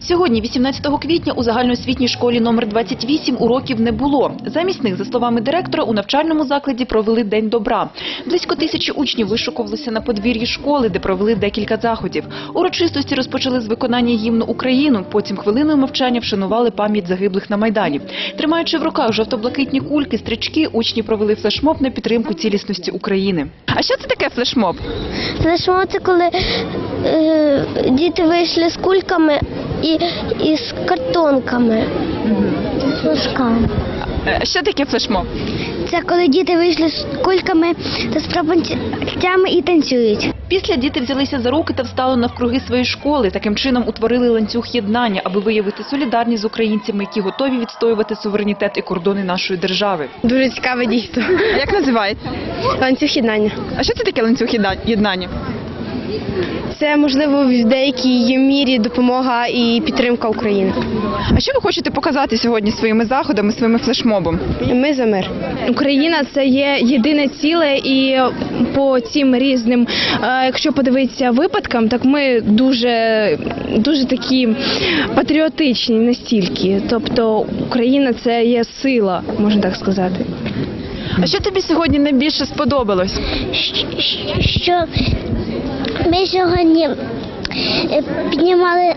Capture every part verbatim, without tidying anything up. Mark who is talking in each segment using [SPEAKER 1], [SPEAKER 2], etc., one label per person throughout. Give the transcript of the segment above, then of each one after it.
[SPEAKER 1] Сьогодні, вісімнадцятого квітня, у загальноосвітній школі номер двадцять вісім уроків не було. Замість них, за словами директора, у навчальному закладі провели День добра. Близько тисячі учнів вишукувалися на подвір'ї школи, де провели декілька заходів. Урочистості розпочали з виконання гімну «Україну», потім хвилиною мовчання вшанували пам'ять загиблих на Майдані. Тримаючи в руках жовто-блакитні кульки, стрічки, учні провели флешмоб на підтримку цілісності України. А що це таке флешмоб?
[SPEAKER 2] Флешмоб – це коли е, діти вийшли з кульками і, і з картонками, з флажками.
[SPEAKER 1] Що таке флешмоб?
[SPEAKER 2] Це коли діти вийшли з кульками та з прапорцями і танцюють.
[SPEAKER 1] Після діти взялися за руки та встали навкруги своєї школи. Таким чином утворили ланцюг єднання, аби виявити солідарність з українцями, які готові відстоювати суверенітет і кордони нашої держави.
[SPEAKER 3] Дуже цікаве дійство.
[SPEAKER 1] А як називається?
[SPEAKER 3] Ланцюг єднання.
[SPEAKER 1] А що це таке ланцюг єднання?
[SPEAKER 3] Це, можливо, в деякій мірі допомога і підтримка України.
[SPEAKER 1] А що ви хочете показати сьогодні своїми заходами, своїми флешмобом?
[SPEAKER 3] Ми за мир. Україна – це є єдине ціле, і по цим різним, якщо подивитися випадкам, так ми дуже, дуже такі патріотичні настільки. Тобто Україна – це є сила, можна так сказати.
[SPEAKER 1] А що тобі сьогодні найбільше сподобалось?
[SPEAKER 2] Що ми сьогодні піднімали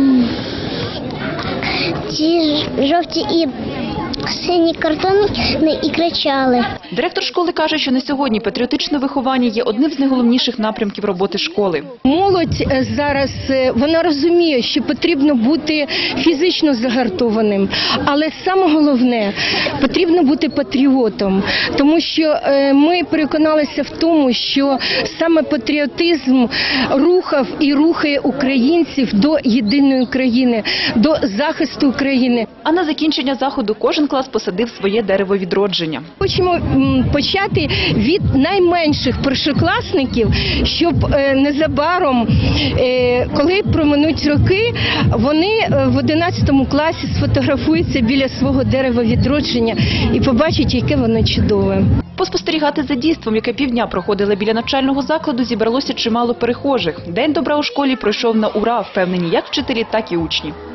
[SPEAKER 2] ці жовті і сині картони і кричали.
[SPEAKER 1] Директор школи каже, що на сьогодні патріотичне виховання є одним з найголовніших напрямків роботи школи.
[SPEAKER 4] Молодь зараз, вона розуміє, що потрібно бути фізично загартованим, але саме головне, потрібно бути патріотом, тому що ми переконалися в тому, що саме патріотизм рухав і рухає українців до єдиної країни, до захисту України.
[SPEAKER 1] А на закінчення заходу кожен клас посадив своє дерево відродження.
[SPEAKER 4] Хочемо почати від найменших першокласників, щоб незабаром, коли проминуть роки, вони в одинадцятому класі сфотографуються біля свого дерева відродження і побачать, яке воно чудове.
[SPEAKER 1] Поспостерігати за дійством, яке півдня проходило біля навчального закладу, зібралося чимало перехожих. День добра у школі пройшов на ура, впевнені як вчителі, так і учні.